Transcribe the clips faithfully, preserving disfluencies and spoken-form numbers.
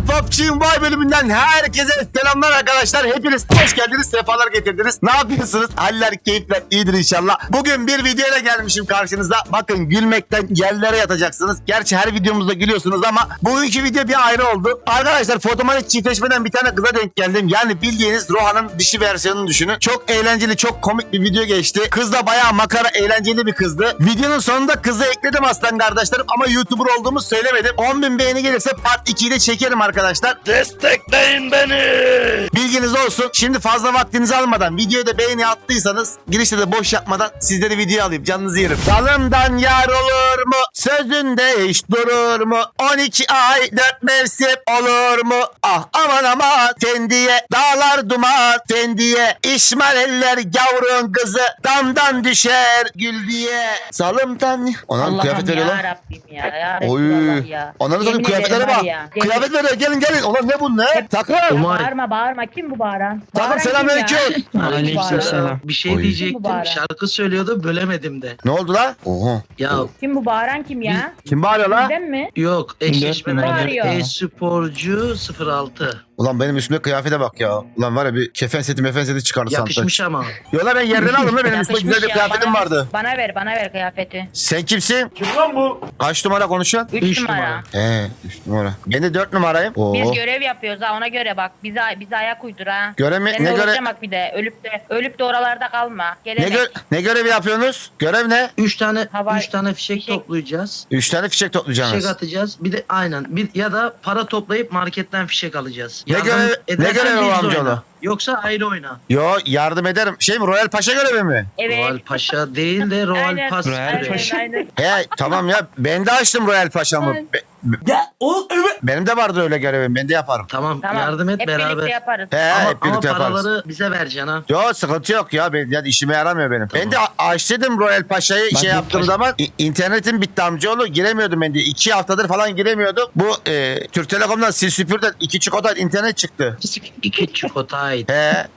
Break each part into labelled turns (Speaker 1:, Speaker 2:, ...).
Speaker 1: P U B G Mobile bölümünden herkese selamlar arkadaşlar. Hepiniz hoş geldiniz, sefalar getirdiniz. Ne yapıyorsunuz? Haller, keyifler iyidir inşallah. Bugün bir videoyla gelmişim karşınıza. Bakın gülmekten yerlere yatacaksınız. Gerçi her videomuzda gülüyorsunuz ama bugünkü video bir ayrı oldu. Arkadaşlar fotomatik çiftleşmeden bir tane kıza denk geldim. Yani bildiğiniz Rohan'ın dişi versiyonunu düşünün. Çok eğlenceli, çok komik bir video geçti. Kız da bayağı makara, eğlenceli bir kızdı. Videonun sonunda kızı ekledim aslan kardeşlerim ama YouTuber olduğumu söylemedim. on bin beğeni gelirse part ikiyi de çekerim arkadaşlar.
Speaker 2: Destekleyin beni.
Speaker 1: Bilginiz olsun. Şimdi fazla vaktinizi almadan videoya da beğeni attıysanız girişte de boş yapmadan sizleri video alayım. Canınızı yerim. Dalımdan yar olur mu? Sözünde hiç durur mu? on iki ay dört mevsim olur mu? Ah aman aman tendiye dağlar duman tendiye İşmal eller gavrun kızı damdan düşer gül diye. Salımdan. Ona kıyafet veriyor lan.
Speaker 3: Yarabbim ya. Yarabbim
Speaker 1: Oy.
Speaker 3: ya.
Speaker 1: Onların sonra
Speaker 3: Yemin
Speaker 1: kıyafetlere
Speaker 3: ederim
Speaker 1: bak.
Speaker 3: var ya.
Speaker 1: Kıyafet veriyor. Gelin gelin. Ulan ne bu ne? Takım.
Speaker 2: Umay.
Speaker 3: Bağırma bağırma. Kim bu bağıran?
Speaker 1: Takım
Speaker 3: Bağıran kim
Speaker 1: selamünaleyküm.
Speaker 3: ya?
Speaker 2: Aleykümselam. Bir şey
Speaker 1: Oy.
Speaker 2: diyecektim.
Speaker 3: Mübarek.
Speaker 2: Şarkı söylüyordu, bölemedim de.
Speaker 1: Ne oldu lan? Oha.
Speaker 2: Ya
Speaker 3: Kim bu bağıran kim ya?
Speaker 1: Kim bağırıyor lan?
Speaker 3: Bizden mi?
Speaker 2: yok, eşleşmeden
Speaker 3: Bağırıyor.
Speaker 2: gel. E-sporcu sıfır altı.
Speaker 1: Ulan benim üstümde kıyafete bak ya. Ulan var ya bir kefen seti mefen seti çıkardı sandım.
Speaker 2: Yakışmış ama.
Speaker 1: Yo lan ben yerden aldım lan benim üstümde
Speaker 3: Yakışmış
Speaker 1: güzel bir
Speaker 3: ya,
Speaker 1: kıyafetim
Speaker 3: bana-
Speaker 1: vardı.
Speaker 3: Bana ver bana ver kıyafeti.
Speaker 1: Sen kimsin? Kim lan bu? Kaç numara konuşuyorsun?
Speaker 3: Üç,
Speaker 2: Üç
Speaker 3: numara.
Speaker 2: numara.
Speaker 1: He üç numara. Ben de dört numarayım. Oo.
Speaker 3: Biz görev yapıyoruz ha ona göre bak. Bize bize ayak uydur ha.
Speaker 1: Görev mi?
Speaker 3: Sen
Speaker 1: Ne
Speaker 3: de
Speaker 1: göre?
Speaker 3: bak bir de ölüp de ölüp de oralarda kalma.
Speaker 1: Ne,
Speaker 3: Gelenek.
Speaker 1: gö ne görevi yapıyorsunuz? Görev ne?
Speaker 2: Üç tane
Speaker 3: Hava-
Speaker 2: üç tane fişek,
Speaker 3: fişek.
Speaker 2: toplayacağız.
Speaker 1: Üç tane fişek
Speaker 2: Fişek
Speaker 1: toplayacaksınız.
Speaker 2: atacağız. Bir de aynen. Bir ya da para toplayıp marketten fişek alacağız.
Speaker 1: Ne
Speaker 2: Yardım
Speaker 1: görev- ne
Speaker 2: edersen
Speaker 1: görevi o
Speaker 2: biz de
Speaker 1: amcaoğlu?
Speaker 2: oyna. Yoksa ayrı oyna.
Speaker 1: Yo yardım ederim. Şey mi Royal Paşa görevi mi?
Speaker 3: Evet.
Speaker 2: Royal Paşa değil de Royal
Speaker 3: Aynen,
Speaker 2: Pass
Speaker 3: aynen,
Speaker 2: görevi.
Speaker 3: aynen.
Speaker 1: He tamam ya ben de açtım Royal Paşa'mı. Be- be- benim de vardı öyle görevim. Ben de yaparım.
Speaker 2: Tamam,
Speaker 3: Tamam.
Speaker 2: yardım et
Speaker 3: Hep
Speaker 2: beraber.
Speaker 3: birlikte yaparız.
Speaker 1: He
Speaker 2: Ama,
Speaker 1: hep
Speaker 2: ama
Speaker 1: birlikte yaparız.
Speaker 2: paraları bize vereceksin ha.
Speaker 1: Yo sıkıntı yok ya. Ben, yani işime yaramıyor benim. Ben de a- açtım Royal Paşa'yı şey yaptığım zaman i- internetim bitti amcaoğlu. Giremiyordum ben de. İki haftadır falan giremiyordum. Bu e, Türk Telekom'dan sil süpürden iki çikolata internet çıktı.
Speaker 2: İki çikolataydı.
Speaker 1: He.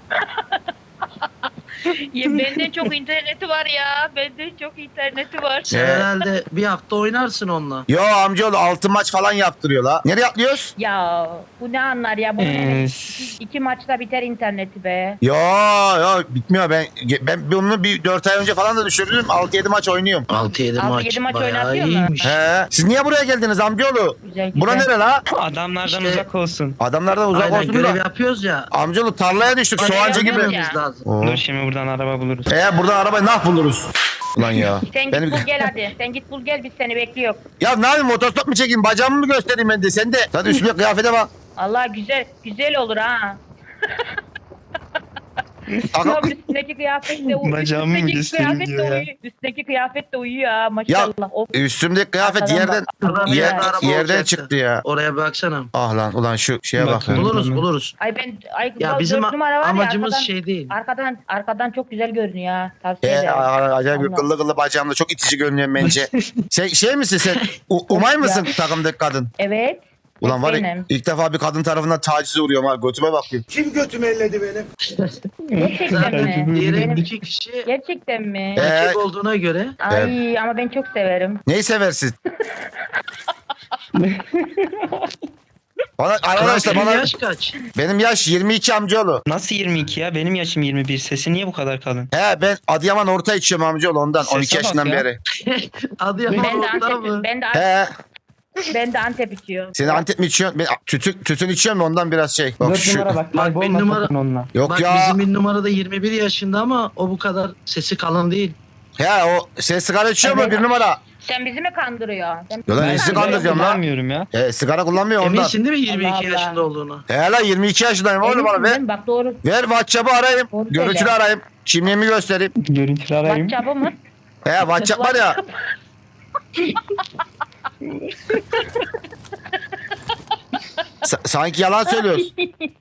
Speaker 3: Ya benden çok interneti var ya. Benden çok interneti var.
Speaker 2: Sen
Speaker 1: Ee?
Speaker 2: herhalde bir hafta oynarsın onunla.
Speaker 1: Yo amcaoğlu altı maç falan yaptırıyor la. Nereye atlıyoruz?
Speaker 3: Ya bu ne anlar ya? Bu
Speaker 4: Ee,
Speaker 3: iki, iki maçta biter interneti be.
Speaker 1: Yo yo bitmiyor. Ben ben bunu bir dört ay önce falan da düşürdüm. altı yedi maç oynuyorum.
Speaker 2: altı yedi
Speaker 3: Altı
Speaker 2: maç.
Speaker 3: yedi maç
Speaker 2: Bayağı
Speaker 3: oynatıyor mu?
Speaker 2: iyiymiş.
Speaker 1: He. Siz niye buraya geldiniz amcaoğlu?
Speaker 3: Güzel güzel.
Speaker 1: Bura nere la?
Speaker 4: Adamlardan
Speaker 2: İşte-
Speaker 4: uzak olsun.
Speaker 1: Adamlardan uzak
Speaker 2: Aynen
Speaker 1: olsun
Speaker 2: görev
Speaker 1: da.
Speaker 2: yapıyoruz ya.
Speaker 1: Amcaoğlu tarlaya düştük.
Speaker 3: Görev
Speaker 1: Soğancı gibi.
Speaker 3: yapıyoruz
Speaker 2: Yapmamız
Speaker 3: ya.
Speaker 2: lazım.
Speaker 1: Oo.
Speaker 4: Dur şimdi buradan araba buluruz.
Speaker 1: Ee buradan arabayı nah buluruz. Ulan ya.
Speaker 3: Sen git
Speaker 1: Benim...
Speaker 3: bul gel hadi. Sen git bul gel biz seni bekliyoruz.
Speaker 1: Ya ne yapayım motostop mu çekeyim bacağımı mı göstereyim ben de sen de. Zaten üstüne kıyafete bak.
Speaker 3: Allah güzel güzel olur ha.
Speaker 1: Takım-
Speaker 3: Yok üstündeki kıyafet de uyuyor.
Speaker 4: Bacağımı mı
Speaker 3: Üstündeki
Speaker 4: göstereyim
Speaker 3: kıyafet de
Speaker 4: diyor ya.
Speaker 3: uyuyor. Üstündeki kıyafet de uyuyor ha maşallah. Of.
Speaker 1: Üstümdeki kıyafet
Speaker 3: Arkadan
Speaker 1: yerden
Speaker 3: bak.
Speaker 2: Arada bir
Speaker 1: yer-
Speaker 2: yerde araba
Speaker 1: yerden
Speaker 2: olacaktı.
Speaker 1: çıktı ya.
Speaker 2: Oraya baksana.
Speaker 1: Ah lan ulan şu şeye bak.
Speaker 4: Bakın.
Speaker 2: Buluruz
Speaker 4: Tamam.
Speaker 2: buluruz.
Speaker 3: Ay ben ay
Speaker 2: Ya
Speaker 3: bu
Speaker 2: bizim
Speaker 3: dört numara var ya,
Speaker 2: amacımız
Speaker 3: arkadan,
Speaker 2: şey değil.
Speaker 3: Arkadan arkadan çok güzel görünüyor ha. Tavsiye
Speaker 1: Ee,
Speaker 3: ederim.
Speaker 1: acayip bir
Speaker 3: Allah.
Speaker 1: kıllı kıllı bacağımda çok itici görünüyor bence. sen şey misin sen? U- umay mısın
Speaker 3: Ya.
Speaker 1: takımdaki kadın?
Speaker 3: Evet.
Speaker 1: Ulan var ya
Speaker 3: benim.
Speaker 1: ilk defa bir kadın tarafından tacize uğruyorum ha. Götüme bakayım.
Speaker 5: Kim götümü elledi benim?
Speaker 3: Gerçekten mi?
Speaker 2: Diğeri
Speaker 3: Benim-
Speaker 2: iki kişi
Speaker 3: Gerçekten mi?
Speaker 1: Ee,
Speaker 2: erkek olduğuna göre
Speaker 3: Ay ama ben çok severim.
Speaker 1: Neyi seversin? Bana arkadaşlar
Speaker 2: Senin
Speaker 1: bana
Speaker 2: yaş kaç?
Speaker 1: benim yaş yirmi iki amcaoğlu.
Speaker 4: Nasıl yirmi iki ya? Benim yaşım yirmi bir. Sesi niye bu kadar kalın?
Speaker 1: He ben Adıyaman orta içiyorum amcaoğlu ondan
Speaker 4: Sese
Speaker 1: on iki
Speaker 4: bak
Speaker 1: yaşından
Speaker 4: ya.
Speaker 1: beri.
Speaker 2: Adıyaman
Speaker 3: Ben de
Speaker 2: orta
Speaker 3: Antep,
Speaker 2: mı?
Speaker 3: ben de
Speaker 1: He
Speaker 3: ben de Antep içiyorum.
Speaker 1: seni Antep mi içiyorsun? Ben tütün, tütün içiyorum da ondan biraz şey. Bak
Speaker 6: Dört
Speaker 1: şu.
Speaker 6: numara bak.
Speaker 2: Bak,
Speaker 6: Kaybolma
Speaker 2: bir numara-
Speaker 6: sakın onunla.
Speaker 1: Yok
Speaker 2: Bak
Speaker 1: ya.
Speaker 2: bizim bir numarada yirmi bir yaşında ama o bu kadar sesi kalın değil.
Speaker 1: He o sen sigara içiyor mu
Speaker 3: Evet.
Speaker 1: bir numara?
Speaker 3: Sen bizi mi kandırıyorsun? Sen
Speaker 1: Yo lan
Speaker 3: bizi mi
Speaker 1: nesi
Speaker 3: kandırıyorsun?
Speaker 1: kandıracağım lan?
Speaker 4: Kullanmıyorum ya.
Speaker 1: He sigara kullanmıyor ondan.
Speaker 2: Eminsin değil mi yirmi iki
Speaker 3: Allah Allah.
Speaker 2: yaşında olduğunu?
Speaker 1: He lan yirmi iki yaşındayım oğlum bana
Speaker 3: Eminsin
Speaker 1: ver.
Speaker 3: değil mi? Bak doğru.
Speaker 1: Ver WhatsApp'ı arayayım.
Speaker 3: Doğru
Speaker 1: Görüntülü
Speaker 3: söyle.
Speaker 1: arayayım. Kimliğimi göstereyim.
Speaker 4: Görüntülü arayayım.
Speaker 3: WhatsApp'ı mı?
Speaker 1: He WhatsApp var ya. Sa- sanki yalan söylüyorsun.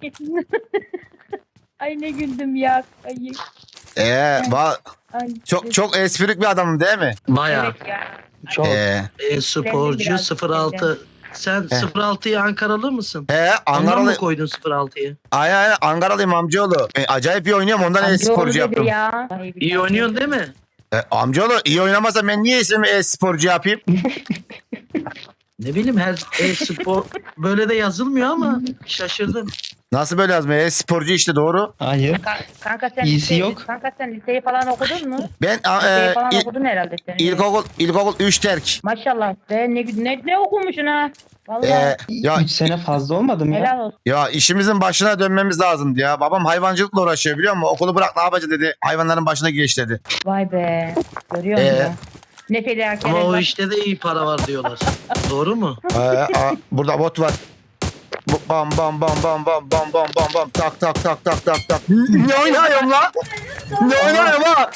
Speaker 3: Ay ne güldüm ya. Ay,
Speaker 1: Ee, ba-
Speaker 3: ay.
Speaker 1: çok çok esprik bir adamım değil mi?
Speaker 2: Bayağı.
Speaker 3: Evet ya.
Speaker 6: Çok.
Speaker 1: Ee,
Speaker 2: E-sporcu
Speaker 3: biraz
Speaker 2: sıfır altı. Sen
Speaker 1: He.
Speaker 2: sıfır altıyı Ankaralı mısın?
Speaker 1: he
Speaker 2: Ondan mı
Speaker 1: Ankaralı.
Speaker 2: koydun sıfır altıyı?
Speaker 1: Ay ay Ankaralıyım amcaoğlu. E, acayip iyi oynuyorum ondan
Speaker 3: Amca
Speaker 1: e-sporcu
Speaker 3: oğlu dedi
Speaker 1: yaptım.
Speaker 3: Ya. Ay, bir
Speaker 2: İyi
Speaker 3: tane.
Speaker 2: oynuyorsun değil mi?
Speaker 1: E, amcaoğlu iyi oynamasa ben niye ismimi e-sporcu yapayım?
Speaker 2: Ne bileyim her e-spor böyle de yazılmıyor ama şaşırdım.
Speaker 1: Nasıl böyle yazmıyor? E, sporcu işte doğru.
Speaker 4: Hayır.
Speaker 3: Ka- kanka sen
Speaker 4: İyisi
Speaker 3: liseyi-
Speaker 4: yok.
Speaker 3: Kanka sen liseyi falan okudun mu?
Speaker 1: Ben a,
Speaker 3: Liseyi
Speaker 1: e,
Speaker 3: falan
Speaker 1: il-
Speaker 3: okudun herhalde sen.
Speaker 1: ilkokul ilkokul üç terk.
Speaker 3: Maşallah be ne, ne, ne okumuşsun ha? Vallahi
Speaker 1: E, ya
Speaker 4: üç sene fazla olmadı mı ya?
Speaker 3: helal olsun.
Speaker 1: ya işimizin başına dönmemiz lazımdı ya. Babam hayvancılıkla uğraşıyor biliyor musun? Okulu bırak ne yapacak dedi. Hayvanların başına geç dedi.
Speaker 3: Vay be. Görüyor musun?
Speaker 1: Ee?
Speaker 3: Ne fedakarlık.
Speaker 2: Ama o işte de iyi para var diyorlar. Doğru mu?
Speaker 1: Ee, a, burada bot var. Bu- Bam bam bam bam bam bam bam bam bam tak tak tak tak tak tak. Ne oynuyorum la? Ne oynuyorum ha?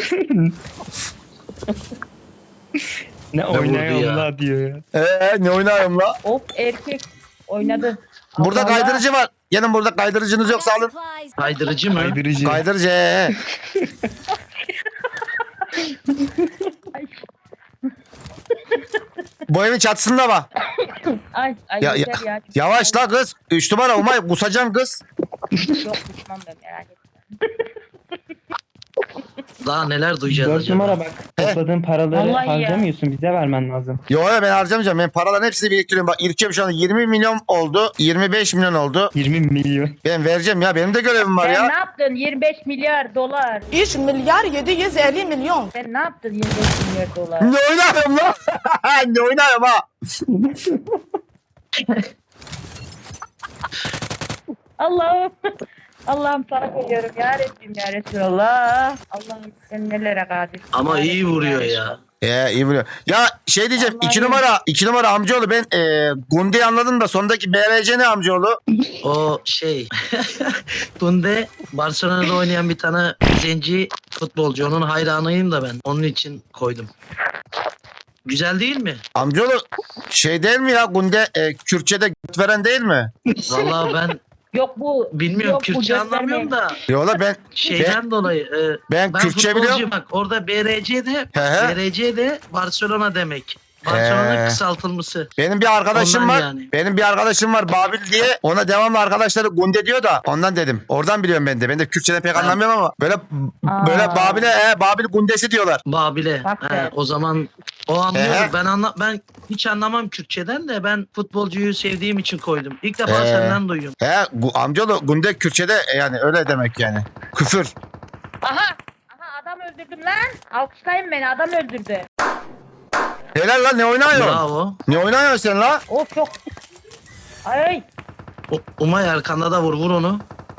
Speaker 4: Ne
Speaker 2: vurdu
Speaker 4: oynuyorum
Speaker 2: ya?
Speaker 4: la diyor ya.
Speaker 1: Ee, ne oynuyorum la?
Speaker 3: Of erkek oynadı.
Speaker 1: Burada
Speaker 3: Allah
Speaker 1: kaydırıcı var. Gelin burada kaydırıcınız yoksa alın.
Speaker 2: Kaydırıcı mı?
Speaker 4: Kaydırıcı.
Speaker 1: Kaydırıcı. ee.
Speaker 3: Ay,
Speaker 1: Bu evin çatısında var.
Speaker 3: ay, ay
Speaker 1: Ya, ya,
Speaker 3: yeter ya.
Speaker 1: yavaş la kız. Üç numara Umay kusacağım kız.
Speaker 3: Yok düşmem ben merak etme.
Speaker 2: Daha neler duyacağız
Speaker 4: Dört
Speaker 2: acaba?
Speaker 4: numara bak. Topladığın paraları
Speaker 3: Vallahi ya.
Speaker 4: harcamıyorsun. Bize vermen lazım.
Speaker 1: Yo yo ben harcamayacağım. Ben paraların hepsini biriktiriyorum. Bak İlkem şu anda yirmi milyon oldu. yirmi beş milyon oldu.
Speaker 4: yirmi milyon.
Speaker 1: Ben vereceğim ya. Benim de görevim var
Speaker 3: Sen
Speaker 1: ya.
Speaker 3: ne yaptın? yirmi beş milyar dolar.
Speaker 5: üç milyar yedi yüz elli milyon.
Speaker 3: Sen ne yaptın yirmi beş milyar dolar?
Speaker 1: Ne oynuyorum lan? Ne oynuyorum ha?
Speaker 3: Allah'ım. Allah'ım sana koyuyorum ya Rabbim ya Resulallah. Allah'ım sen nelere kadir.
Speaker 2: Ama
Speaker 3: Ya
Speaker 2: iyi
Speaker 3: Rabbim
Speaker 2: vuruyor
Speaker 3: ya
Speaker 2: ya.
Speaker 1: Ee, iyi biliyor. Ya şey diyeceğim.
Speaker 3: Vallahi
Speaker 1: iki
Speaker 3: iyi.
Speaker 1: numara. iki numara amcaoğlu. Ben e, Gunde'yi anladım da sondaki B R C ne amcaoğlu?
Speaker 2: O şey. Tunde Barcelona'da oynayan bir tane zenci futbolcu. Onun hayranıyım da ben. Onun için koydum. Güzel değil mi?
Speaker 1: Amcaoğlu şey değil mi ya? Gunde e, Kürtçe'de göt veren değil mi?
Speaker 2: Vallahi ben
Speaker 3: Yok bu.
Speaker 2: bilmiyorum,
Speaker 3: yok bu
Speaker 2: Kürtçe
Speaker 3: gösterme.
Speaker 2: anlamıyorum da
Speaker 1: Yola ben
Speaker 2: şeyden dolayı. e,
Speaker 1: ben
Speaker 2: ben
Speaker 1: Kürtçe
Speaker 2: futbolcuyum
Speaker 1: biliyorum.
Speaker 2: bak. Orada B R C de
Speaker 1: He he.
Speaker 2: B R C de Barcelona demek. Barcelona
Speaker 1: He.
Speaker 2: kısaltılması.
Speaker 1: Benim bir arkadaşım
Speaker 2: Ondan
Speaker 1: var.
Speaker 2: yani.
Speaker 1: Benim bir arkadaşım var Babil diye. Ona devamlı arkadaşları Gunde diyor da ondan dedim. Oradan biliyorum ben de. Ben de Kürtçeden pek anlamıyorum ama böyle
Speaker 3: Aa.
Speaker 1: böyle Babil'e e, Babil Gundesi diyorlar.
Speaker 2: Babile.
Speaker 3: Bak
Speaker 2: He,
Speaker 3: be.
Speaker 2: o zaman o anlıyor.
Speaker 1: He.
Speaker 2: Ben anla ben hiç anlamam Kürtçeden de ben futbolcuyu sevdiğim için koydum. İlk defa
Speaker 1: He.
Speaker 2: senden duyuyorum.
Speaker 1: He gu, amcaoğlu Gunde Kürtçede e, yani öyle demek yani. Küfür.
Speaker 3: Aha. Aha adam öldürdüm lan. Alkışlayın beni adam öldürdü.
Speaker 1: Helal lan ne oynuyorsun?
Speaker 2: Bravo.
Speaker 1: Ne oynuyorsun sen la?
Speaker 3: Of çok. Ay.
Speaker 2: U- Umay arkanda da vur vur onu.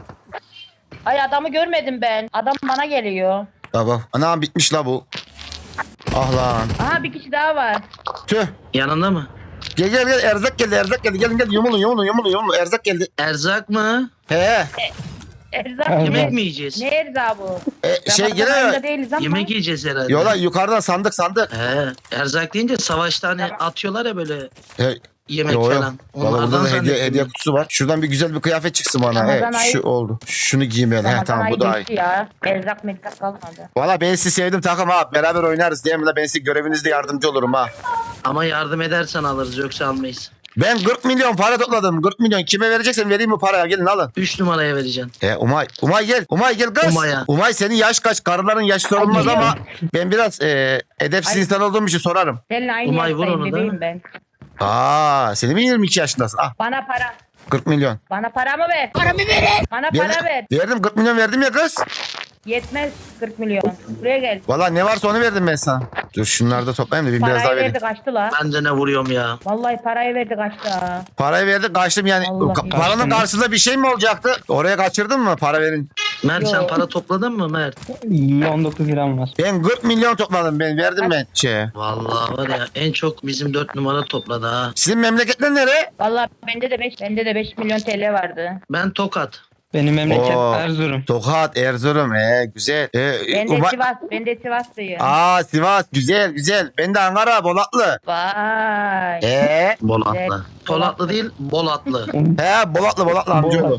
Speaker 3: Ay adamı görmedim ben. Adam bana geliyor.
Speaker 1: Baba anam bitmiş la bu. Ah lan.
Speaker 3: Aha bir kişi daha var.
Speaker 1: Tüh.
Speaker 2: Yanında mı?
Speaker 1: Gel gel gel erzak geldi erzak geldi. Gelin gel yumulun yumulun yumulun yumulun erzak geldi.
Speaker 2: Erzak mı?
Speaker 1: He.
Speaker 3: Erzak
Speaker 4: Evet.
Speaker 2: Yemek
Speaker 3: yemek.
Speaker 2: mi yiyeceğiz?
Speaker 3: Ne erzağı bu?
Speaker 1: E, şey
Speaker 3: Ramazan
Speaker 1: gene
Speaker 3: ayında değiliz ama.
Speaker 2: Yemek yiyeceğiz herhalde.
Speaker 1: yola yukarıdan sandık sandık.
Speaker 2: He, erzak deyince savaşta hani atıyorlar ya böyle
Speaker 1: He.
Speaker 2: yemek
Speaker 1: Yo, yo.
Speaker 2: falan.
Speaker 1: Valla burada
Speaker 2: Onlardan
Speaker 1: da hediye,
Speaker 2: zannettim.
Speaker 1: hediye kutusu var. Şuradan bir güzel bir kıyafet çıksın bana.
Speaker 3: Ramazan
Speaker 1: He,
Speaker 3: ayı-
Speaker 1: şu oldu. Şunu giyeyim ben. He,
Speaker 3: Ramazan
Speaker 1: tamam bu
Speaker 3: ayı
Speaker 1: da iyi.
Speaker 3: geçti ya. Erzak merzak kalmadı.
Speaker 1: Valla ben sizi sevdim takım ha. Beraber oynarız değil mi la? Ben size görevinizde yardımcı olurum ha.
Speaker 2: Ama yardım edersen alırız yoksa almayız.
Speaker 1: Ben kırk milyon para topladım. kırk milyon. Kime vereceksen vereyim mi paraya? Gelin alın.
Speaker 2: üç numaraya vereceksin.
Speaker 1: E Umay. Umay gel. Umay gel kız.
Speaker 2: Umay'a.
Speaker 1: Umay senin yaş kaç? Karıların yaşı sorulmaz
Speaker 3: Ay,
Speaker 1: ama ben biraz e, edepsiz
Speaker 3: Ay.
Speaker 1: insan olduğum için sorarım.
Speaker 3: Seninle aynı
Speaker 2: Umay, vur
Speaker 3: yaştayım
Speaker 2: onu da.
Speaker 3: bebeğim ben.
Speaker 1: Aa, senin mi yirmi iki yaşındasın? Ah
Speaker 3: Bana para.
Speaker 1: kırk milyon.
Speaker 3: Bana paramı ver. Paramı verin. Bana para
Speaker 1: Ver-
Speaker 3: ver.
Speaker 1: Verdim kırk milyon verdim ya kız.
Speaker 3: Yetmez kırk milyon. Buraya gel.
Speaker 1: Valla ne varsa onu verdim ben sana. Dur şunları da toplayayım da bir biraz daha
Speaker 3: Parayı
Speaker 1: vereyim.
Speaker 3: verdi kaçtı la.
Speaker 2: Ben de ne vuruyorum ya.
Speaker 3: Vallahi parayı verdi kaçtı ha.
Speaker 1: Parayı verdi kaçtım yani.
Speaker 3: Allah
Speaker 1: Ka-
Speaker 3: ya.
Speaker 1: paranın
Speaker 4: Kaçtınız.
Speaker 1: karşısında bir şey mi olacaktı? Oraya kaçırdın mı para verin?
Speaker 2: Mert sen
Speaker 3: Yo.
Speaker 2: para topladın mı Mert?
Speaker 4: on dokuz liram var.
Speaker 1: Ben kırk milyon topladım ben verdim ben şeye.
Speaker 2: Vallahi var ya en çok bizim dört numara topladı ha.
Speaker 1: Sizin memleketler nere?
Speaker 3: Vallahi bende de beş bende de beş milyon T L vardı.
Speaker 2: Ben Tokat.
Speaker 4: Benim memleket
Speaker 1: Oo.
Speaker 4: Erzurum.
Speaker 1: Tokat, Erzurum. Ee, güzel. Ee,
Speaker 3: Ben de
Speaker 1: Uma-
Speaker 3: Sivas, ben de Sivaslıyım.
Speaker 1: Aa Sivas güzel güzel. Ben de Ankara Bolatlı.
Speaker 3: Vay.
Speaker 1: Ee,
Speaker 2: Bolatlı.
Speaker 3: Evet.
Speaker 2: Polatlı değil Bolatlı.
Speaker 1: he Bolatlı Bolatlı amcaoğlu.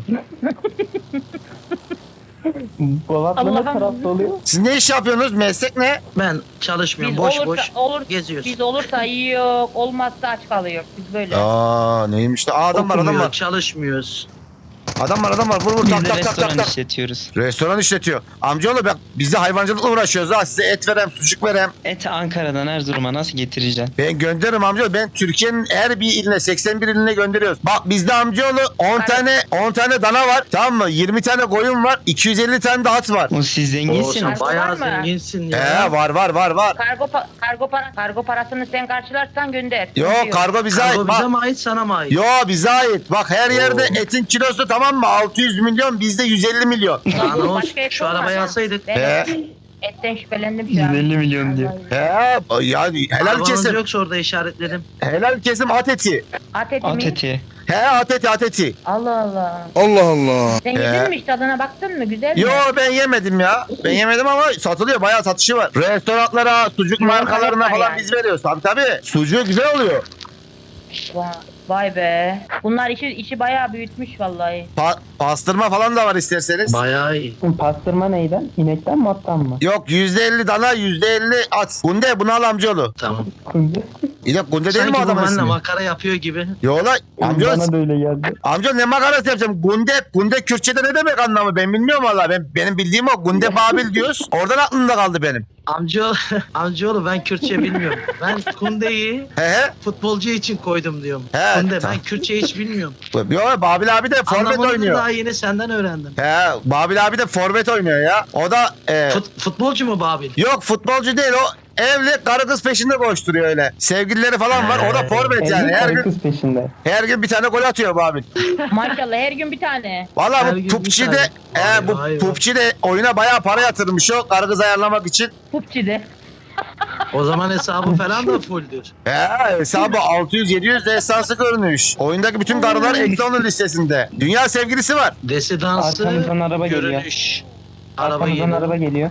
Speaker 4: Bolatlı ne
Speaker 3: Allah'ım.
Speaker 4: tarafta oluyor?
Speaker 1: Siz ne iş yapıyorsunuz? Meslek ne?
Speaker 2: Ben çalışmıyorum.
Speaker 3: Biz
Speaker 2: boş
Speaker 3: olursa,
Speaker 2: boş
Speaker 3: olur,
Speaker 2: geziyoruz.
Speaker 3: Biz olursa yiyor, olmazsa aç kalıyor. Biz böyle.
Speaker 1: Aa neymiş de? Aa, adam var adam
Speaker 2: Okumuyor,
Speaker 1: var.
Speaker 2: çalışmıyoruz.
Speaker 1: Adam var adam var. Vur vur
Speaker 4: Biz
Speaker 1: tak
Speaker 4: de
Speaker 1: tak tak tak
Speaker 4: restoran
Speaker 1: tak.
Speaker 4: işletiyoruz.
Speaker 1: Restoran işletiyor. Amcaoğlu bak biz de hayvancılıkla uğraşıyoruz ha. Size et verem, sucuk verem.
Speaker 4: Eti Ankara'dan Erzurum'a nasıl getireceksin?
Speaker 1: Ben gönderirim amcaoğlu. Ben Türkiye'nin her bir iline seksen bir iline gönderiyoruz. Bak bizde amcaoğlu on tane on tane dana var. Tamam mı? yirmi tane koyun var. iki yüz elli tane de at var.
Speaker 4: O siz
Speaker 2: Oo,
Speaker 4: zenginsiniz.
Speaker 2: sen
Speaker 3: Kargo
Speaker 2: bayağı
Speaker 3: var mı?
Speaker 2: zenginsin ya.
Speaker 1: He var var var var.
Speaker 3: Kargo pa- kargo para kargo parasını sen karşılarsan gönder.
Speaker 1: Yok
Speaker 3: Diyor.
Speaker 1: kargo bize
Speaker 2: Kargo
Speaker 1: ait.
Speaker 2: bize
Speaker 1: Bak.
Speaker 2: mi ait sana mı ait?
Speaker 1: Yo bize ait. Bak her yerde
Speaker 2: Oo.
Speaker 1: etin kilosu tamam mı? altı yüz milyon bizde yüz elli milyon.
Speaker 2: Lan o
Speaker 3: Başka et
Speaker 2: şu
Speaker 3: olmaz
Speaker 2: arabayı
Speaker 3: ha.
Speaker 2: alsaydık.
Speaker 3: Ben
Speaker 1: He.
Speaker 3: etten şüphelendim şu an.
Speaker 4: yüz elli milyon diyor.
Speaker 3: Vallahi.
Speaker 1: He yani helal
Speaker 2: Arabanız
Speaker 1: kesim.
Speaker 2: yoksa orada işaretledim.
Speaker 1: Helal kesim at eti.
Speaker 3: At eti
Speaker 4: At
Speaker 3: mi?
Speaker 4: eti.
Speaker 1: He at eti at eti.
Speaker 3: Allah Allah.
Speaker 1: Allah Allah.
Speaker 3: Sen
Speaker 1: He.
Speaker 3: yedin mi hiç tadına baktın mı? Güzel mi?
Speaker 1: Yo ben yemedim ya. Ben yemedim ama satılıyor. Bayağı satışı var. Restoranlara, sucuk
Speaker 3: Yok,
Speaker 1: markalarına
Speaker 3: var
Speaker 1: falan
Speaker 3: yani.
Speaker 1: biz veriyoruz. Tabii tabii. Sucuğu güzel oluyor.
Speaker 3: Vay, vay be. Bunlar işi işi bayağı büyütmüş vallahi.
Speaker 1: Pa- pastırma falan da var isterseniz.
Speaker 2: Bayağı iyi.
Speaker 4: Bu pastırma neyden? İnekten mi attan mı?
Speaker 1: Yok yüzde elli dana yüzde elli at. Gunde bunu al amcaoğlu.
Speaker 2: Tamam.
Speaker 4: Kunde.
Speaker 1: İyi de Gunde değil mi
Speaker 2: Sanki
Speaker 1: o
Speaker 2: bu
Speaker 1: adamın
Speaker 2: benimle
Speaker 1: ismi?
Speaker 2: makara yapıyor gibi.
Speaker 1: Yo la amcaoğlu.
Speaker 4: Bana da öyle geldi.
Speaker 1: Amcaoğlu ne makarası yapacağım? Gunde, Gunde Kürtçe'de ne demek anlamı? Ben bilmiyorum valla. Ben, benim bildiğim o. Gunde Babil diyoruz. Oradan aklımda kaldı benim.
Speaker 2: Amcaoğlu, amcaoğlu ben Kürtçe bilmiyorum. Ben Kunde'yi
Speaker 1: He he.
Speaker 2: futbolcu için koydum diyorum.
Speaker 1: He,
Speaker 2: Kunde
Speaker 1: tamam.
Speaker 2: ben Kürtçe hiç bilmiyorum.
Speaker 1: Yo Babil abi de forvet
Speaker 2: Anlamını da
Speaker 1: oynuyor.
Speaker 2: daha yeni senden öğrendim.
Speaker 1: He Babil abi de forvet oynuyor ya. O da e,
Speaker 2: Fut, futbolcu mu Babil?
Speaker 1: yok futbolcu değil o. Evli karı kız peşinde koşturuyor öyle. Sevgilileri falan var. O da forvet yani.
Speaker 4: Evli
Speaker 1: Her
Speaker 4: karı
Speaker 1: gün
Speaker 4: kız peşinde.
Speaker 1: her gün bir tane gol atıyor Babil.
Speaker 3: Maşallah her gün bir tane.
Speaker 1: Valla
Speaker 2: Her
Speaker 1: bu
Speaker 2: gün bir
Speaker 1: P U B G'de
Speaker 2: tane.
Speaker 1: e,
Speaker 2: Vay
Speaker 1: bu
Speaker 2: vay vay.
Speaker 1: P U B G'de oyuna bayağı para yatırmış o karı kız ayarlamak için.
Speaker 3: Pupçide.
Speaker 2: O zaman hesabı falan da fulldür.
Speaker 1: He hesabı altı yüz yedi yüz de esansı görünüş. Oyundaki bütün karılar ekli onun listesinde. Dünya sevgilisi var.
Speaker 2: Desidansı
Speaker 4: Arkamızdan araba geliyor.
Speaker 2: görünüş. Araba
Speaker 4: Arkamızdan
Speaker 2: geliyor.
Speaker 4: araba geliyor.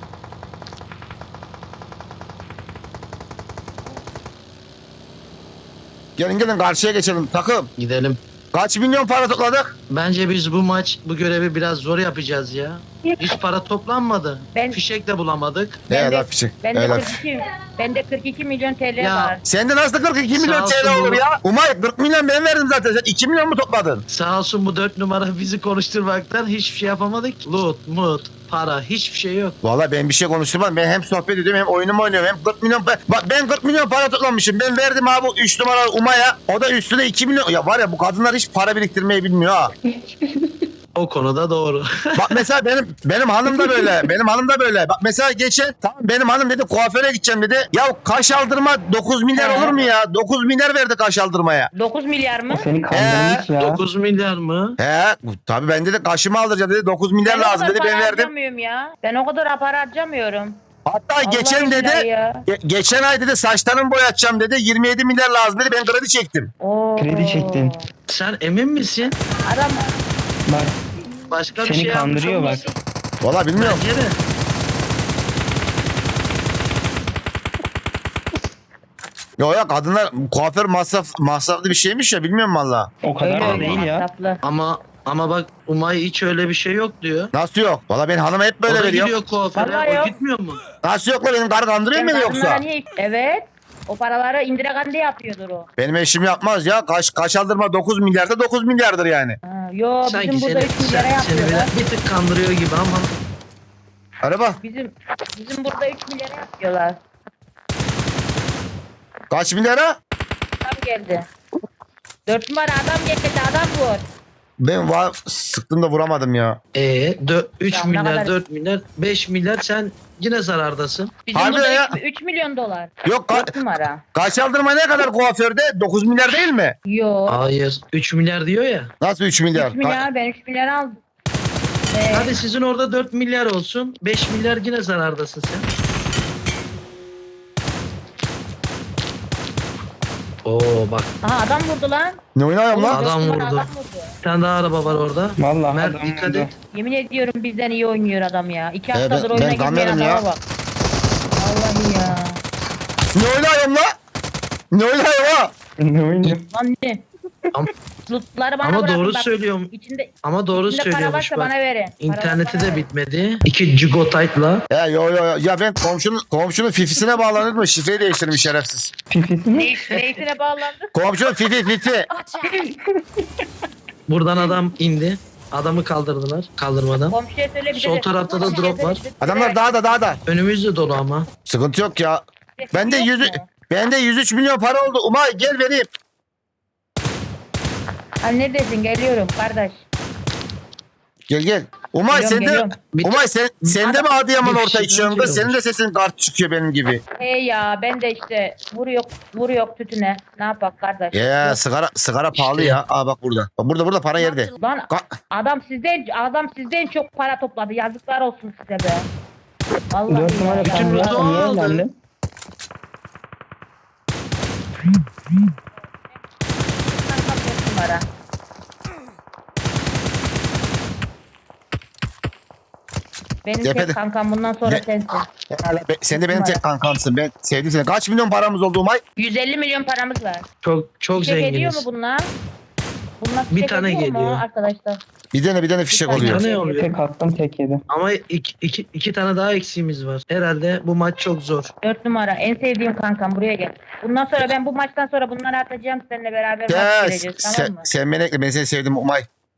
Speaker 1: Gelin gelin karşıya geçelim takım.
Speaker 2: Gidelim.
Speaker 1: Kaç milyon para topladık?
Speaker 2: Bence biz bu maç bu görevi biraz zor yapacağız ya. Hiç para toplanmadı.
Speaker 3: Ben-
Speaker 2: Fişek de bulamadık.
Speaker 3: Ben
Speaker 1: Ne
Speaker 3: de-
Speaker 1: laf için.
Speaker 3: Bende
Speaker 1: Ne laf.
Speaker 3: kırk iki bende kırk iki milyon T L
Speaker 2: Ya.
Speaker 3: var.
Speaker 1: Sende nasıl kırk iki milyon
Speaker 2: Sağ
Speaker 1: T L
Speaker 2: olsun
Speaker 1: olur
Speaker 2: bu-
Speaker 1: ya? Umay kırk milyon ben verdim zaten. Sen iki milyon mu topladın?
Speaker 2: Sağ olsun bu dört numara bizi konuşturmaktan hiçbir şey yapamadık. Loot, mut, para hiçbir şey yok.
Speaker 1: Valla ben bir şey konuşturmadım. Ben hem sohbet ediyorum hem oyunumu oynuyorum. Hem kırk milyon pa- Bak ben kırk milyon para toplamışım. Ben verdim abi üç numara Umay'a. O da üstüne iki milyon. Ya var ya bu kadınlar hiç para biriktirmeyi bilmiyor ha.
Speaker 2: O konuda doğru.
Speaker 1: Bak mesela benim benim hanım da böyle. Benim hanım da böyle. Bak mesela geçen tamam benim hanım dedi kuaföre gideceğim dedi. Ya kaş aldırma dokuz milyar
Speaker 3: He.
Speaker 1: olur mu ya? dokuz milyar verdi kaş aldırmaya.
Speaker 3: dokuz milyar mı?
Speaker 4: O seni kandırmış ya.
Speaker 2: dokuz milyar mı?
Speaker 1: He tabii ben dedi kaşımı aldıracağım dedi. dokuz milyar
Speaker 3: Ben o
Speaker 1: lazım
Speaker 3: kadar
Speaker 1: dedi. Ben
Speaker 3: para
Speaker 1: verdim.
Speaker 3: harcamıyorum ya. Ben o kadar para harcamıyorum.
Speaker 1: Hatta
Speaker 3: Allah
Speaker 1: geçen dedi
Speaker 3: billahi ya.
Speaker 1: ge- geçen ay dedi saçlarımı boyatacağım dedi. yirmi yedi milyar lazım dedi. Ben kredi çektim.
Speaker 3: Oo.
Speaker 4: Kredi çektin.
Speaker 2: Sen emin misin?
Speaker 3: Adam
Speaker 4: Bak
Speaker 2: Başka bir
Speaker 4: seni
Speaker 2: şey yapmış
Speaker 4: kandırıyor bak.
Speaker 2: olmasın?
Speaker 1: Valla bilmiyorum.
Speaker 2: Bence de.
Speaker 1: Yok yok kadınlar kuaför masraf masraflı bir şeymiş ya bilmiyorum valla.
Speaker 4: O kadar
Speaker 3: öyle
Speaker 4: da
Speaker 3: öyle
Speaker 4: değil ya.
Speaker 3: masraflı.
Speaker 2: Ama ama bak Umay hiç öyle bir şey yok diyor.
Speaker 1: Nasıl yok? Valla ben hanıma hep
Speaker 2: o
Speaker 1: böyle
Speaker 2: da
Speaker 1: veriyorum.
Speaker 2: gidiyor kuaföre.
Speaker 3: Vallahi
Speaker 2: O
Speaker 3: yok.
Speaker 2: gitmiyor mu?
Speaker 1: Nasıl yok la benim karı kandırıyor mu
Speaker 3: Sen
Speaker 1: beni yoksa?
Speaker 3: kadınlara niye- Evet. O paraları indire gande yapıyordur o.
Speaker 1: Benim eşim yapmaz ya. Kaş, kaş aldırma dokuz milyarda dokuz milyardır yani.
Speaker 3: Ha, yo
Speaker 2: Sanki
Speaker 3: bizim burada
Speaker 2: seni,
Speaker 3: üç milyara
Speaker 2: sen, seni
Speaker 3: yapıyorlar.
Speaker 2: biraz bir tık kandırıyor gibi ama.
Speaker 1: Araba
Speaker 3: Bizim bizim burada üç milyara yapıyorlar.
Speaker 1: kaç milyara?
Speaker 3: Adam geldi. dört numara adam geldi adam vur.
Speaker 1: Ben va sıktım da vuramadım ya.
Speaker 2: Ee, üç
Speaker 3: Ya ne
Speaker 2: milyar,
Speaker 3: kadar-
Speaker 2: dört milyar, beş milyar sen yine zarardasın.
Speaker 3: Bizim
Speaker 1: Harbi
Speaker 3: burada
Speaker 1: ya.
Speaker 3: üç milyon dolar.
Speaker 1: Yok ka-
Speaker 3: dört numara.
Speaker 1: kaş aldırma ne kadar kuaförde? dokuz milyar değil mi?
Speaker 3: Yo.
Speaker 2: Hayır. üç milyar diyor ya.
Speaker 1: Nasıl üç milyar?
Speaker 3: üç milyar ben üç milyar aldım. Ee,
Speaker 2: Hadi sizin orada dört milyar olsun. beş milyar yine zarardasın sen. Oo bak.
Speaker 3: aha adam vurdu lan.
Speaker 1: Ne oynuyorum lan?
Speaker 2: Adam
Speaker 3: Dört numara
Speaker 2: vurdu.
Speaker 3: Adam vurdu.
Speaker 2: Bir tane daha araba var orada.
Speaker 4: Vallahi
Speaker 2: Mert
Speaker 4: adam
Speaker 2: dikkat
Speaker 4: vurdu.
Speaker 2: et.
Speaker 3: Yemin ediyorum bizden iyi oynuyor adam ya. İki
Speaker 1: Ee,
Speaker 3: haftadır
Speaker 1: ben-
Speaker 3: oyuna
Speaker 1: ben
Speaker 3: girmeyen
Speaker 1: kamerim
Speaker 3: adama
Speaker 1: ya.
Speaker 3: bak. Vallahi ya.
Speaker 1: Ne oynuyorum lan? Ne oynuyorum ha?
Speaker 4: Ne oynuyor?
Speaker 3: Lan ne?
Speaker 2: Ama-
Speaker 3: Lootları bana
Speaker 2: Ama
Speaker 3: bırakın
Speaker 2: doğru
Speaker 3: bak.
Speaker 2: söylüyorum.
Speaker 3: İçinde,
Speaker 2: Ama doğru
Speaker 3: içinde para
Speaker 2: söylüyormuş
Speaker 3: varsa
Speaker 2: bak.
Speaker 3: bana verin. Para
Speaker 2: İnterneti
Speaker 3: varsa bana
Speaker 2: de
Speaker 3: verin.
Speaker 2: bitmedi. İki gigotaytla.
Speaker 1: Ya yo yo yo. Ya ben komşunun komşunun fifisine bağlanır mı? Şifreyi değiştirmiş şerefsiz.
Speaker 4: Fifisi mi?
Speaker 3: Ne- Neyisine bağlandı?
Speaker 1: Komşunun fifi fifi.
Speaker 2: Buradan adam indi. Adamı kaldırdılar. Kaldırmadan.
Speaker 3: Komşuya söyle bir de.
Speaker 2: Sol tarafta da
Speaker 3: komşuya
Speaker 2: drop
Speaker 3: söyle
Speaker 2: var.
Speaker 3: bir de-
Speaker 1: Adamlar dağda dağda.
Speaker 2: Önümüzde dolu ama.
Speaker 1: Sıkıntı yok ya.
Speaker 3: Sesi
Speaker 1: Bende
Speaker 3: yok
Speaker 1: yüz
Speaker 3: mu?
Speaker 1: bende yüz üç milyon para oldu. Umay gel vereyim.
Speaker 3: Ha neredesin? Geliyorum kardeş.
Speaker 1: Gel gel. Umay
Speaker 3: Geliyorum,
Speaker 1: sen de
Speaker 3: geliyorum.
Speaker 1: Umay sen sen de mi Adıyaman
Speaker 2: Bir
Speaker 1: orta
Speaker 2: kişi
Speaker 1: içiyorsun?
Speaker 2: önce
Speaker 1: Senin de sesin kart çıkıyor benim gibi.
Speaker 3: Hey ya ben de işte vuruyor vuruyor tütüne. Ne yapak kardeş?
Speaker 1: Ya sigara sigara pahalı
Speaker 2: İşte.
Speaker 1: ya. Aa bak burada. Bak burada burada para yerde.
Speaker 3: Lan
Speaker 1: Ka-
Speaker 3: adam sizden adam sizden çok para topladı. Yazıklar olsun size be. Vallahi
Speaker 4: Dört numara
Speaker 3: ya.
Speaker 2: Bütün
Speaker 4: sen
Speaker 2: loot'u
Speaker 4: niye
Speaker 2: aldı.
Speaker 4: evlendin?
Speaker 3: Dört numara. Benim
Speaker 1: Tepede.
Speaker 3: tek kankam bundan sonra
Speaker 1: Ne?
Speaker 3: sensin.
Speaker 1: Be- sen de benim tek kankamsın. Ben sevdim seni. Kaç milyon paramız oldu Umay?
Speaker 3: yüz elli milyon paramız var.
Speaker 2: Çok çok
Speaker 3: Çek ediyor mu
Speaker 2: zenginiz.
Speaker 3: bunlar? Bunlar
Speaker 2: Bir
Speaker 3: çek
Speaker 2: tane
Speaker 3: ediyor mu
Speaker 2: geliyor.
Speaker 3: arkadaşlar?
Speaker 1: Bir tane bir tane fişek
Speaker 3: Bir tane.
Speaker 1: oluyor.
Speaker 2: Ne oluyor?
Speaker 4: Tek attım tek yedi.
Speaker 2: Ama iki, iki, iki tane daha eksiğimiz var. Herhalde bu maç çok zor.
Speaker 3: Dört numara en sevdiğim kankam buraya gel. Bundan sonra ben bu maçtan sonra bunları atacağım seninle beraber
Speaker 1: Ya
Speaker 3: maç gireceğiz
Speaker 1: sen,
Speaker 3: tamam mı?
Speaker 1: sen beni ekle. Ben seni sevdim Umay.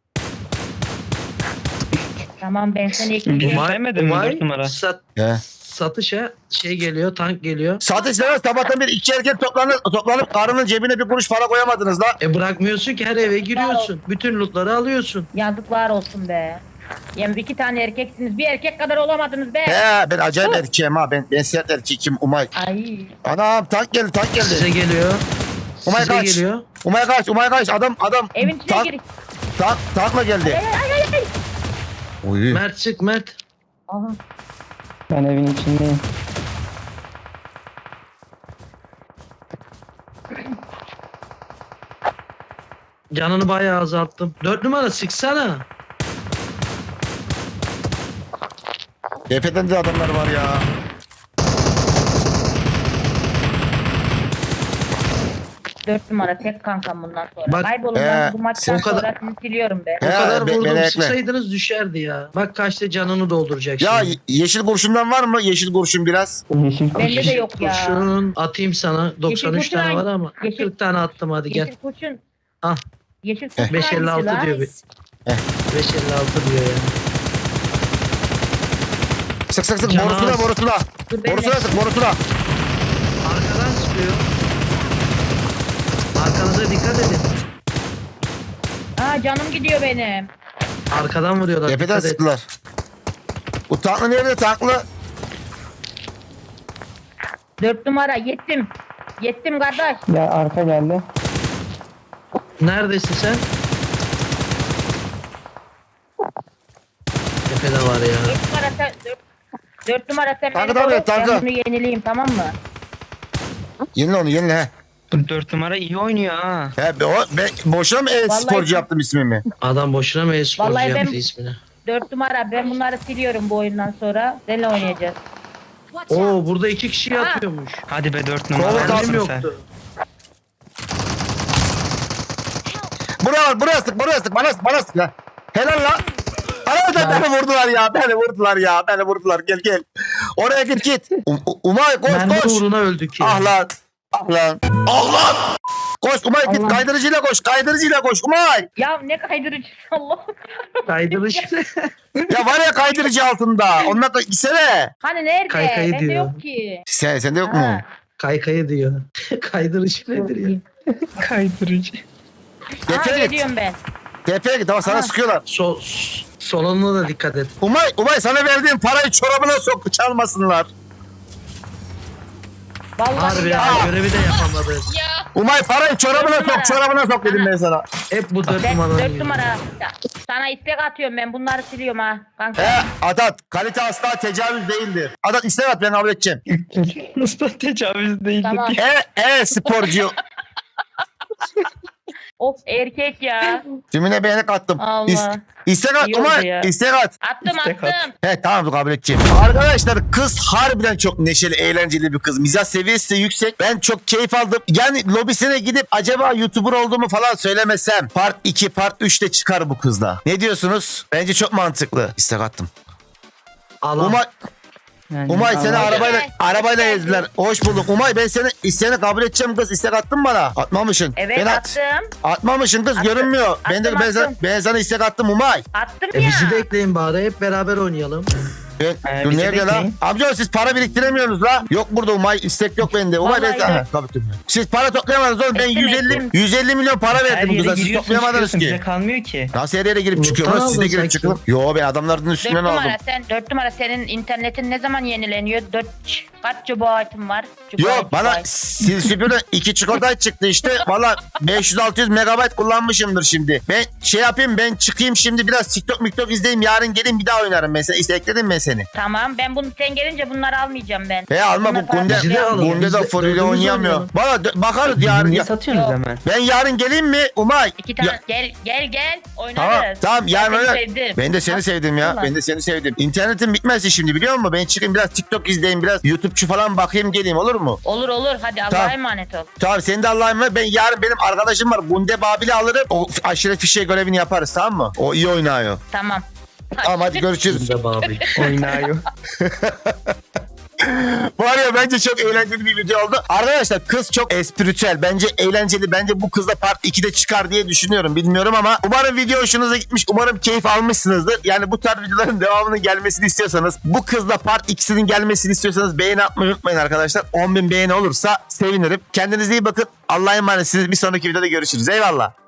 Speaker 3: Tamam ben seni
Speaker 4: Bir
Speaker 3: ekleyeceğim.
Speaker 4: şey sevmedin mi dört numara?
Speaker 2: Sat,
Speaker 1: He.
Speaker 2: satışa şey geliyor, tank geliyor.
Speaker 1: Satışlara sabahtan bir iki erkek toplanıp, toplanıp karının cebine bir kuruş para koyamadınız la.
Speaker 2: E bırakmıyorsun ki her eve giriyorsun. Bütün lootları alıyorsun.
Speaker 3: Yazıklar olsun be. Yani iki tane erkeksiniz. Bir erkek kadar olamadınız be.
Speaker 1: He ben acayip erkeğim ha. Ben, ben sert erkeğim Umay.
Speaker 3: Ay.
Speaker 1: Anam tank geldi tank
Speaker 2: Size
Speaker 1: geldi.
Speaker 2: geliyor.
Speaker 1: Umay
Speaker 2: Size
Speaker 1: kaç.
Speaker 2: geliyor.
Speaker 1: Umay kaç Umay kaç. Adam adam
Speaker 3: Evin içine
Speaker 1: tank,
Speaker 3: gir.
Speaker 1: tank, tankla geldi.
Speaker 3: Ay ay ay ay.
Speaker 1: Uy.
Speaker 2: Mert çık Mert.
Speaker 3: Aha.
Speaker 4: Ben evin içindeyim.
Speaker 2: Canını bayağı azalttım. Dört numara sıksana.
Speaker 1: Tepeden de adamlar var ya.
Speaker 3: Dört numara tek kankam bundan sonra.
Speaker 2: Bak,
Speaker 3: Kaybolun
Speaker 1: ee,
Speaker 3: ben bu maçtan
Speaker 2: o kadar-
Speaker 3: sonra sizi siliyorum be.
Speaker 2: O
Speaker 1: He,
Speaker 2: kadar
Speaker 1: be-
Speaker 2: vurdum
Speaker 1: beni ekle.
Speaker 2: sıksaydınız düşerdi ya. Bak kaçta canını dolduracak
Speaker 1: Ya
Speaker 2: şimdi.
Speaker 1: ye- yeşil kurşundan var mı? Yeşil kurşun biraz.
Speaker 4: Yeşil
Speaker 3: Bende
Speaker 4: kurşun.
Speaker 3: de yok ya.
Speaker 2: Kurşun atayım sana. doksan üç
Speaker 3: kurşun
Speaker 2: tane
Speaker 3: hangi-
Speaker 2: var ama.
Speaker 3: Yeşil-
Speaker 2: kırk tane attım hadi gel.
Speaker 3: Yeşil kurşun.
Speaker 2: Ah.
Speaker 3: Yeşil kurşun
Speaker 2: beş elli altı
Speaker 3: hangisi
Speaker 2: diyor
Speaker 3: lan?
Speaker 2: bir. beş elli altı diyor ya.
Speaker 1: Sık sık sık
Speaker 2: Canaz.
Speaker 1: borusuna borusuna.
Speaker 3: Dur ben de-
Speaker 1: Borusuna sık borusuna.
Speaker 2: Arkadan sıkıyor. Arkanıza dikkat edin.
Speaker 3: Aa canım gidiyor benim.
Speaker 2: Arkadan vuruyorlar.
Speaker 1: Tepeden
Speaker 2: dikkat et.
Speaker 1: sıktılar. Bu tanklı nerede tanklı?
Speaker 3: Dört numara yettim. Yettim kardeş.
Speaker 4: Ya arka geldi.
Speaker 2: Neredesin sen? Tepede var ya.
Speaker 3: Dört numara sen dört, dört numara sen
Speaker 1: Tankı
Speaker 3: beni
Speaker 1: tabii,
Speaker 3: koru.
Speaker 1: tankı.
Speaker 3: Ben bunu yenileyim tamam mı?
Speaker 1: Yenile onu yenile he.
Speaker 4: Bu dört numara iyi oynuyor ha.
Speaker 1: He be, o, ben boşuna mı e-sporcu
Speaker 3: Vallahi-
Speaker 1: yaptım ismimi?
Speaker 2: Adam boşuna mı e-sporcu
Speaker 3: Vallahi ben-
Speaker 2: yaptı ismini?
Speaker 3: Dört numara ben bunları siliyorum bu oyundan sonra. Seninle oynayacağız.
Speaker 2: Oo burada iki kişi yatıyormuş.
Speaker 4: Hadi be dört
Speaker 1: Kolu
Speaker 4: numara.
Speaker 1: kalsın
Speaker 2: Haberim
Speaker 4: sen.
Speaker 2: yoktu.
Speaker 1: Buraya buraya sık buraya sık bana sık bana sık ya. Helal la. Ana da beni vurdular ya beni vurdular ya beni vurdular gel gel. Oraya git git. Um, Umay koş
Speaker 2: Mermi
Speaker 1: koş.
Speaker 2: uğruna öldük ya.
Speaker 1: Ah lan. Ah lan. Allah. Koş Umay git
Speaker 3: Allah.
Speaker 1: kaydırıcıyla koş kaydırıcıyla koş Umay.
Speaker 3: Ya ne kaydırıcı Allah.
Speaker 2: Kaydırış.
Speaker 1: Ya var ya kaydırıcı altında. Onunla da gitsene.
Speaker 3: Hani nerede?
Speaker 2: Kaykayı
Speaker 3: Bende
Speaker 2: diyor.
Speaker 3: yok ki.
Speaker 1: Sen, sende yok mu?
Speaker 3: Ha.
Speaker 2: Kaykayı diyor. Kaydırış nedir ya?
Speaker 4: Kaydırıcı.
Speaker 3: Aha
Speaker 1: Tepeye git.
Speaker 3: geliyorum ben.
Speaker 1: Tepeye git ama sana
Speaker 3: Ha.
Speaker 1: sıkıyorlar.
Speaker 2: Sol, solununa da dikkat et.
Speaker 1: Umay, Umay sana verdiğim parayı çorabına sok çalmasınlar.
Speaker 3: Vallahi
Speaker 2: Harbi
Speaker 3: ya.
Speaker 2: ya görevi de yapamadı.
Speaker 1: Umay parayı çorabına
Speaker 3: Dört numara.
Speaker 1: sok, çorabına sok dedim ben sana.
Speaker 2: Hep bu dört
Speaker 3: Ben
Speaker 2: numaradan
Speaker 3: dört
Speaker 2: yiyor.
Speaker 3: numara. Ya, sana istek atıyorum ben bunları siliyorum ha. Kanka.
Speaker 1: He, Adat, kalite asla tecavüz değildir. Adat istek at ben kabul edeceğim.
Speaker 4: Usta tecavüz değildi.
Speaker 3: Tamam.
Speaker 1: E, e sporcu.
Speaker 3: Of erkek ya.
Speaker 1: Tümüne beğenik attım.
Speaker 3: Allah.
Speaker 1: İs, istek at
Speaker 3: İyi oldu
Speaker 1: Umay,
Speaker 3: ya.
Speaker 1: istek at.
Speaker 3: Attım
Speaker 4: İstek at.
Speaker 3: attım.
Speaker 1: He tamam kabul edeceğim. Arkadaşlar kız harbiden çok neşeli, eğlenceli bir kız. Mizah seviyesi de yüksek. Ben çok keyif aldım. Yani lobisine gidip acaba YouTuber olduğumu falan söylemesem part iki, part üçte çıkar bu kızla. Ne diyorsunuz? Bence çok mantıklı. İstek attım.
Speaker 2: Allah.
Speaker 1: Umay,
Speaker 4: Yani
Speaker 1: Umay seni
Speaker 4: Allah-
Speaker 1: arabayla
Speaker 3: Evet.
Speaker 1: arabayla ezdiler. Hoş bulduk. Umay ben seni isteyeni kabul edeceğim kız. İstek attın bana. Atmamışsın.
Speaker 3: Evet
Speaker 1: ben at-
Speaker 3: attım.
Speaker 1: Atmamışsın kız
Speaker 3: Attım.
Speaker 1: görünmüyor. ben de
Speaker 3: Attım,
Speaker 1: ben sana,
Speaker 3: attım.
Speaker 1: ben sana istek attım Umay.
Speaker 3: Attım
Speaker 2: E
Speaker 3: ya.
Speaker 2: bizi de ekleyin bari hep beraber oynayalım.
Speaker 1: Ben,
Speaker 4: Ee,
Speaker 1: dur
Speaker 4: bizi
Speaker 1: nerede lan?
Speaker 4: bekleyin.
Speaker 1: Amca siz para biriktiremiyorsunuz la. Yok burada Umay istek yok bende. Umay ben
Speaker 3: Vallahi
Speaker 1: sana.
Speaker 3: yok.
Speaker 1: Tabii tabii. Siz para toplayamadınız oğlum. Ben
Speaker 3: Ettim,
Speaker 1: yüz elli
Speaker 3: ettim.
Speaker 1: yüz elli milyon para
Speaker 4: Her
Speaker 1: verdim bu
Speaker 4: yere
Speaker 1: kıza. Siz
Speaker 4: giriyorsun
Speaker 1: toplayamadınız
Speaker 4: çıkıyorsun bize
Speaker 1: ki.
Speaker 4: kalmıyor ki.
Speaker 1: Nasıl her yere girip
Speaker 2: Muhtar
Speaker 1: çıkıyorsunuz? Siz de
Speaker 2: aldın
Speaker 1: girip
Speaker 2: sanki.
Speaker 1: çıkın. Yo ben adamların
Speaker 3: Dört
Speaker 1: üstünden aldım.
Speaker 3: numara sen, dört numara senin internetin ne zaman yenileniyor? Dört kaç gigabaytın var?
Speaker 1: Yok bana sil süpürün iki çikolata çıktı işte. Valla beş yüz altı yüz megabayt kullanmışımdır şimdi. Ben şey yapayım ben çıkayım şimdi biraz TikTok miktok izleyeyim. Yarın gelin bir daha oynarım mesela. İşte ekledim ben seni.
Speaker 3: Tamam ben bunu sen gelince bunları almayacağım ben.
Speaker 1: He alma bu
Speaker 3: Bunlar falan
Speaker 1: Gunde.
Speaker 2: Bizi de alın.
Speaker 1: Gunde
Speaker 2: Biz
Speaker 1: de
Speaker 2: de
Speaker 1: full ile
Speaker 2: dördümüz
Speaker 1: oynayamıyor.
Speaker 2: oynayalım.
Speaker 1: Valla dö- bakarız yarın.
Speaker 4: Niye
Speaker 1: Ya.
Speaker 4: satıyorsunuz
Speaker 3: Yok.
Speaker 4: hemen?
Speaker 1: Ben yarın geleyim mi Umay?
Speaker 3: İki tane
Speaker 1: Ya-
Speaker 3: gel gel gel oynarız.
Speaker 1: Tamam tamam yarın
Speaker 3: Ben seni
Speaker 1: oynar.
Speaker 3: sevdim.
Speaker 1: Ben de seni
Speaker 3: Bak,
Speaker 1: sevdim ya.
Speaker 3: vallahi.
Speaker 1: Ben de seni sevdim. İnternetin bitmezse şimdi biliyor musun? Ben çıkayım biraz TikTok izleyeyim biraz YouTube'cu falan bakayım geleyim olur mu?
Speaker 3: Olur olur hadi Allah'a
Speaker 1: Tamam.
Speaker 3: emanet ol.
Speaker 1: Tamam senin de Allah'a emanet. Ben yarın benim arkadaşım var. Gunde Babil'i alırım. O aşire fişe görevini yaparız tamam mı? O iyi oynuyor.
Speaker 3: Tamam.
Speaker 1: Tamam hadi görüşürüz.
Speaker 2: Biz de babi.
Speaker 4: Oynuyor.
Speaker 1: Var ya bence çok eğlenceli bir video oldu. Arkadaşlar kız çok espritüel. Bence eğlenceli. Bence bu kızla part ikide çıkar diye düşünüyorum. Bilmiyorum ama umarım video hoşunuza gitmiş. Umarım keyif almışsınızdır. Yani bu tarz videoların devamının gelmesini istiyorsanız, bu kızla part ikisinin gelmesini istiyorsanız beğeni atmayı unutmayın arkadaşlar. on bin beğeni olursa sevinirim. Kendinize iyi bakın. Allah'a emanetsiniz. Bir sonraki videoda görüşürüz. Eyvallah.